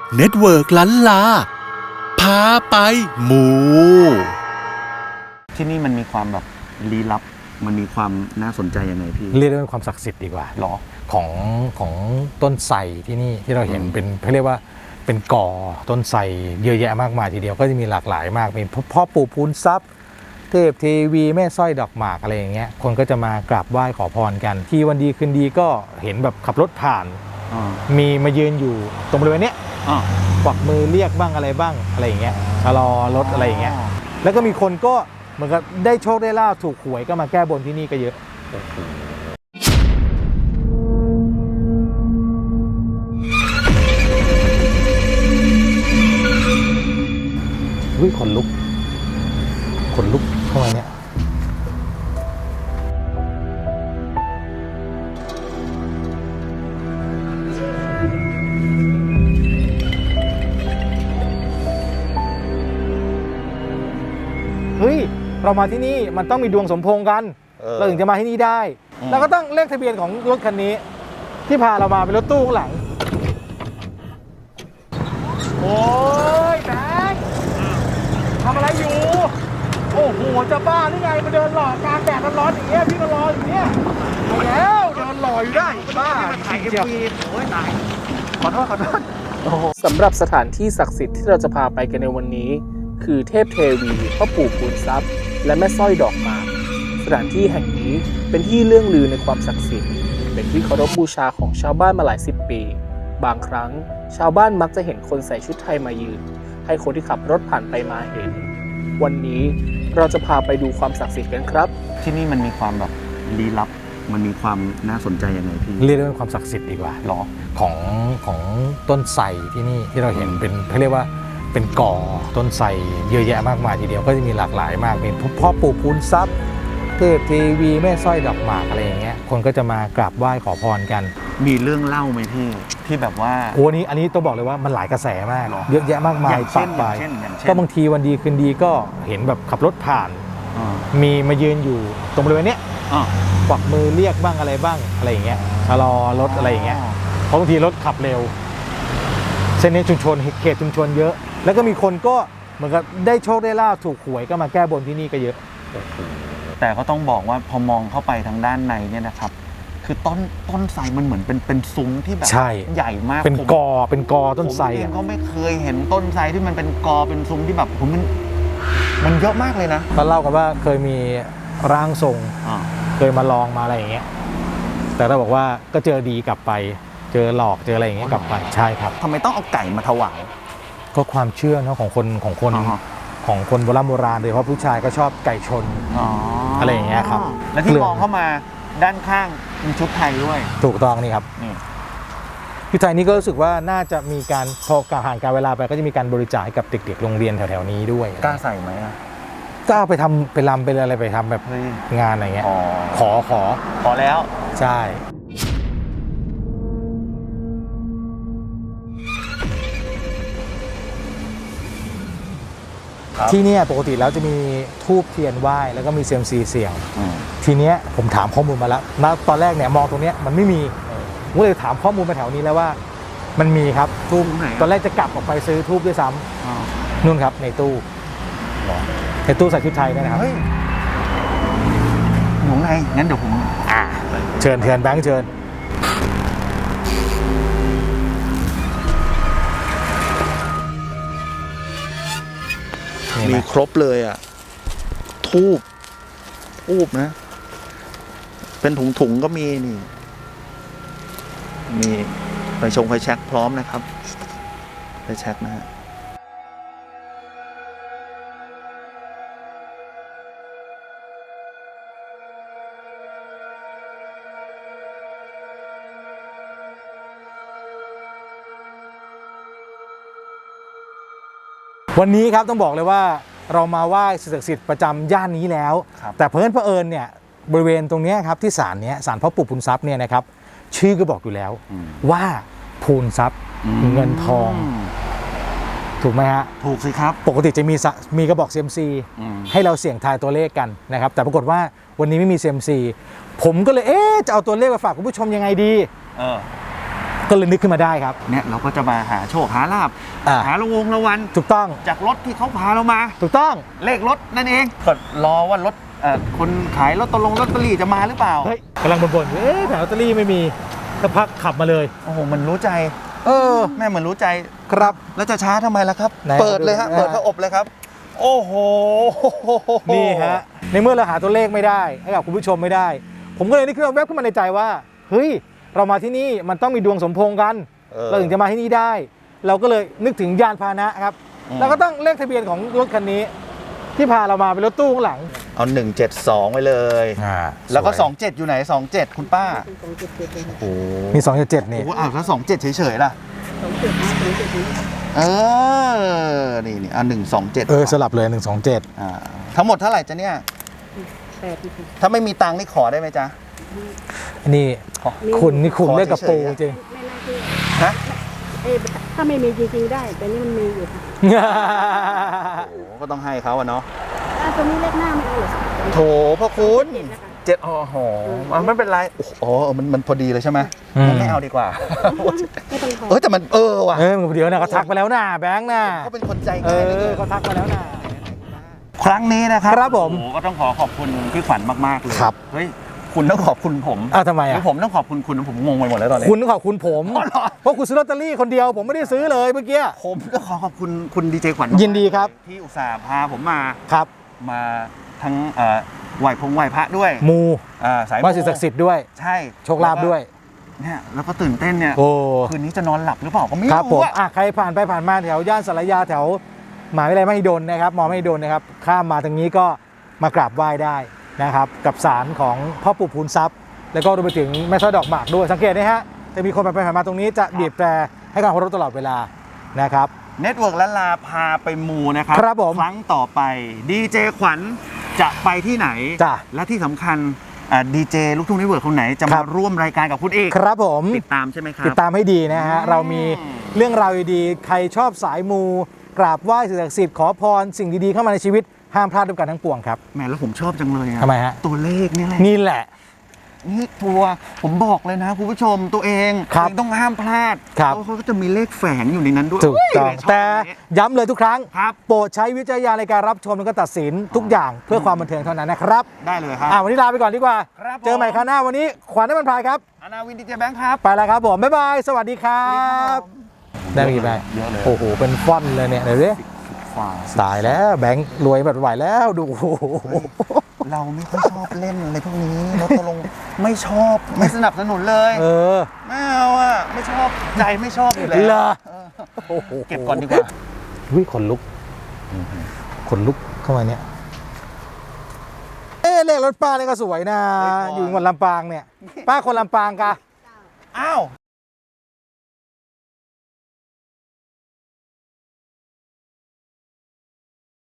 เน็ตเวิร์กล้านลาพาไปหมูที่นี่มันมีความแบบลี้ลับมันมีความน่าสนใจยังไงพี่เรียกได้ว่าความศักดิ์สิทธิ์ดีกว่าหรอของต้นไทรที่นี่ที่เราเห็นเป็นเขาเรียกว่าเป็นก่อต้นไทรเยอะแยะมากมายทีเดียวก็จะมีหลากหลายมากมีพ่อปู่พูนทรัพย์เทพเทวีแม่สร้อยดอกหมากอะไรอย่างเงี้ยคนก็จะมากราบไหว้ขอพรกันที่วันดีคืนดีก็เห็นแบบขับรถผ่านมีมายืนอยู่ตรงบริเวณเนี้ยกวักมือเรียกบ้างอะไรบ้างอะไรอย่างเงี้ยชะลอรถอะไรอย่างเงี้ยแล้วก็มีคนก็เหมือนกับได้โชคได้ลาภถูกหวยก็มาแก้บนที่นี่ก็เยอะขนลุกเข้ามาเนี่ยเฮ้ยเรามาที่นี่มันต้องมีดวงสมพงษ์กันเราถึงจะมาที่นี่ได้แล้วก็ต้องเลขทะเบียนของรถคันนี้ที่พาเรามาเป็นรถตู้ข้างหลังโอ้ยแบงค์ทำอะไรอยู่โอ้โหจะบ้าหรือไงมาเดินหล่อกลางแดดร้อนอย่างเงี้ยพี่ก็รออย่างเงี้ยไปแล้วเดินหล่ออยู่ได้บ้าถ่ายMVโอ้ยตายขอโทษสำหรับสถานที่ศักดิ์สิทธิ์ที่เราจะพาไปกันในวันนี้คือเทพเทวีพ่อปู่พูนทรัพย์และแม่สร้อยดอกหมากสถานที่แห่งนี้เป็นที่เรื่องลือในความศักดิ์สิทธิ์เป็นที่เคารพบูชาของชาวบ้านมาหลายสิบปีบางครั้งชาวบ้านมักจะเห็นคนใส่ชุดไทยมายืนให้คนที่ขับรถผ่านไปมาเห็นวันนี้เราจะพาไปดูความศักดิ์สิทธิ์กันครับที่นี่มันมีความแบบลี้ลับมันมีความน่าสนใจยังไงพี่เรียกได้ว่าความศักดิ์สิทธิ์ดีกว่าหรอของต้นไทรที่นี่ที่เราเห็นเป็นเขาเรียกว่าเป็นก่อต้นไทรเยอะแยะมากมายทีเดียวก็จะมีหลากหลายมากมีพ่อปู่พูนทรัพย์เทพเทวีแม่สร้อยดอกหมากอะไรอย่างเงี้ยคนก็จะมากราบไหว้ขอพรกันมีเรื่องเล่าไหมพี่ที่แบบว่าโอ้อันนี้ต้องบอกเลยว่ามันหลายกระแสมากเยอะแยะมากมายปะปายก็บางทีวันดีคืนดีก็เห็นแบบขับรถผ่านมีมายืนอยู่ตรงบริเวณเนี้ยกวักมือเรียกบ้างอะไรบ้างอะไรอย่างเงี้ยชะลอรถอะไรอย่างเงี้ยเพราะบางทีรถขับเร็วเส้นนี้ชุมชนเขตชุมชนเยอะแล้วก็มีคนก็เหมือนกับได้โชคได้ลาภถูกหวยก็มาแก้บนที่นี่ก็เยอะแต่ก็ต้องบอกว่าพอมองเข้าไปทางด้านในเนี่ยนะครับคือต้นไทรมันเหมือนเป็นซุ้มที่แบบใหญ่มากเป็นกอต้นไทรผมเองก็ไม่เคยเห็นต้นไทรที่มันเป็นกอเป็นซุ้มที่แบบมันเยอะมากเลยนะเขาเล่ากันว่าเคยมีร่างทรงเคยมาลองมาอะไรอย่างเงี้ยแต่เราบอกว่าก็เจอดีกลับไปเจอหลอกเจออะไรอย่างเงี้ยกลับไปใช่ครับทำไมต้องเอาไก่มาถวายก็ความเชื่อเนาะของคนโบราณโดยเฉพาะผู้ชายก็ชอบไก่ชนอะไรอย่างเงี้ยครับแล้วที่มองเข้ามาด้านข้างมีชุดไทยด้วยถูกต้องนี่ครับชุดไทยนี้ก็รู้สึกว่าน่าจะมีการพอการผ่านการเวลาไปก็จะมีการบริจาคให้กับเด็กๆโรงเรียนแถวๆนี้ด้วยกล้าใส่ไหมก็เอาไปทำไปรำไปอะไรไปทำแบบงานอะไรเงี้ยขอแล้วใช่ที่นี่ปกติแล้วจะมีธูปเทียนไหว้แล้วก็มีเซียมซีเสี่ยงทีเนี้ยผมถามข้อมูลมาแล้วนะตอนแรกเนี่ยมองตรงเนี้ยมันไม่มีผมเลยถามข้อมูลมาแถวนี้แล้วว่ามันมีครับทูบตอนแรกจะกลับออกไปซื้อทูบด้วยซ้ำนู่นครับในตู้ใส่ชุดไทยนี่นะครับหนูไงงั้นเดี๋ยวผมเชิญแบงค์เชิญมีครบเลยอ่ะทูบนะเป็นถุงก็มีนี่มีไฟแช็กพร้อมนะครับไฟแช็กนะฮะวันนี้ครับต้องบอกเลยว่าเรามาไหว้สิ่งศักดิ์สิทธิ์ประจำย่านนี้แล้วแต่เผอิญเนี่ยบริเวณตรงนี้ครับที่ศาลพ่อปู่พูนทรัพย์เนี่ยนะครับชื่อก็บอกอยู่แล้วว่าพูนทรัพย์เงินทองถูกไหมฮะถูกสิครับปกติจะมีกระบอกเซียมซีให้เราเสี่ยงทายตัวเลขกันนะครับแต่ปรากฏว่าวันนี้ไม่มีเซียมซีผมก็เลยจะเอาตัวเลขมาฝากคุณผู้ชมยังไงดีก็เลยนึกขึ้นมาได้ครับเนี่ยเราก็จะมาหาโชคหาลาบ หาระวันถูกต้องจากรถที่เขาพาเรามาถูกต้องเลขรถนั่นเองก็รอว่ารถคนขายลอตเตอรี่จะมาหรือเปล่าเฮ้ยกำลังบ่นๆอยู่แผงลอตเตอรี่ไม่มีสักพักขับมาเลยโอ้โหมันรู้ใจ แม่เหมือนรู้ใจครับแล้วจะช้าทำไมล่ะครับไหนเปิดเลยฮะดูเปิดพระอบเลยครับ โอ้โหนี่ฮะในเมื่อเราหาตัวเลขไม่ได้ให้กับคุณผู้ชมไม่ได้ ผมก็เลยนึกขึ้นมาแวบขึ้นมาในใจว่าเฮ้ยเรามาที่นี่มันต้องมีดวงสมพงษ์กัน เราถึงจะมาที่นี่ได้ เราก็เลยนึกถึงยานพาหนะครับแล้วก็ต้องเลขทะเบียนของรถคันนี้ ที่พาเรามาเป็นรถตู้ข้างหลังเอา172ไว้เลย แล้วก็ 27 อยู่ไหน 27 คุณป้า โอ้โหมี277นี่โอ้โหอ้าวแล้ว27 เฉยๆล่ะนี่อ่ะ127 สลับเลย127 ทั้งหมดเท่าไหร่จ๊ะเนี่ย ถ้าไม่มีตังค์นี่ขอได้ไหมจ๊ะนี่คุณเล่นกับปูจริงฮะถ้าไม่มีจริงๆได้ แต่นี่มันมีอยู่ค่ะโอ้โหก็ต้องให้เขาอะเนาะตัวนี้เลขหน้าไม่เอาเหรอโถพระคุณเจ็ดนะคะ 7อ๋อโหไม่เป็นไรโอ้โหมันพอดีเลยใช่ไหมงั้นไม่เอาดีกว่าไม่ต้องทอนแต่มันว่ะเดี๋ยวนะเขาทักไปแล้วนะแบงค์นะเขาเป็นคนใจง่ายเลยเขาทักไปแล้วนะครั้งนี้นะครับครับผมโอ้โหก็ต้องขอบคุณพี่ขวัญมากๆเลยครับเฮ้ยคุณต้องขอบคุณผมทำไมหรือผมต้องขอบคุณผมงงไปหมดแล้วตอนนี้คุณต้องขอบคุณผมอ๋อเหรอเพราะคุณซื้อลอตเตอรี่คนเดียวผมไม่ได้ซื้อเลยเมื่อกี้ผมก็ขอบคุณคุณดีเจขวัญมากๆยินดีครับที่อุตส่าห์พาผมมาครับทั้งไหวพระด้วยมูสายว่าสิ่งศักดิ์สิทธิ์ด้วยใช่โชคลาภด้วยเนี่ยแล้วก็ตื่นเต้นเนี่ยโอ้คืนนี้จะนอนหลับหรือเปล่าก็ไม่ครับผรู้มอะใครผ่านไปผ่านมาแถวย่านสารยาแถวมหาวิทยาลัยมหิดลนะครับมอมหิดลนะครับข้ามมาทางนี้ก็มากราบไหว้ได้นะครับกับศาลของพ่อปู่พูนทรัพย์แล้วก็รวมไปถึงแม่สร้อยดอกหมากด้วยสังเกตนะฮะจะมีคนผ่านไปผ่านมาตรงนี้จะบีบแตรให้การเคารพตลอดเวลานะครับเน็ตเวิร์กละลาพาไปมูนะครับครับผมครั้งต่อไปดีเจขวัญจะไปที่ไหนจ้ะและที่สำคัญดีเจลูกทุ่งเน็ตเวิร์กคนไหนจะครัมาบร่วมรายการกับคุณเอกครับผมติดตามใช่ไหมครับติดตามให้ดีนะฮะ เรามีเรื่องราวดีๆใครชอบสายมู กราบไหว้สิ่งศักดิ์สิทธิ์ขอพรสิ่งดีๆเข้ามาในชีวิตห้ามพลาดด้วยกันทั้งปวงครับแหมแล้วผมชอบจังเลยอะทำไมฮะตัวเลขนี่แหละนี่แหละนี่ตัวผมบอกเลยนะคุณผู้ชมตัวเองครับต้องห้ามพลาดครับเพราะเขาก็จะมีเลขแฝงอยู่ในนั้นด้วยถูกต้องเยชบแต่อันนี้ย้ำเลยทุกครั้งครับโปรดใช้วิจารณญาณในการรับชมแล้วก็ตัดสินทุกอย่างเพื่อความบันเทิงเท่านั้นนะครับได้เลยครับวันนี้ลาไปก่อนดีกว่าครับผมเจอใหม่คราวหน้าวันนี้ขวัญน้ำมันพรายครับอนาวินดีเจแบงค์ครับไปแล้วครับผม บ๊ายบาย สวัสดีครับ ได้ไปกี่ใบเยอะเลยโอ้โห เป็นฟอนต์เลยเนี่ยเดี๋ยวดิฝ่าตายแล้วแบงค์รวยแบบไหวแล้วดูโอ้โหเราไม่ค่อยชอบเล่นอะไรพวกนี้รถตกลงไม่ชอบไม่สนับสนุนเลย ไม่เอาอ่ะไม่ชอบใจไม่ชอบอยู่แล้วเหรอเออเก็บก่อนดีกว่าวิขนลุกขนลุกเข้ามาเนี่ยเลขรถป้าเนี่ยก็สวยนะเฮ้ยพอออยู่จังหวัดลำปางเนี่ย ป้าคนลำปางกะอ้าว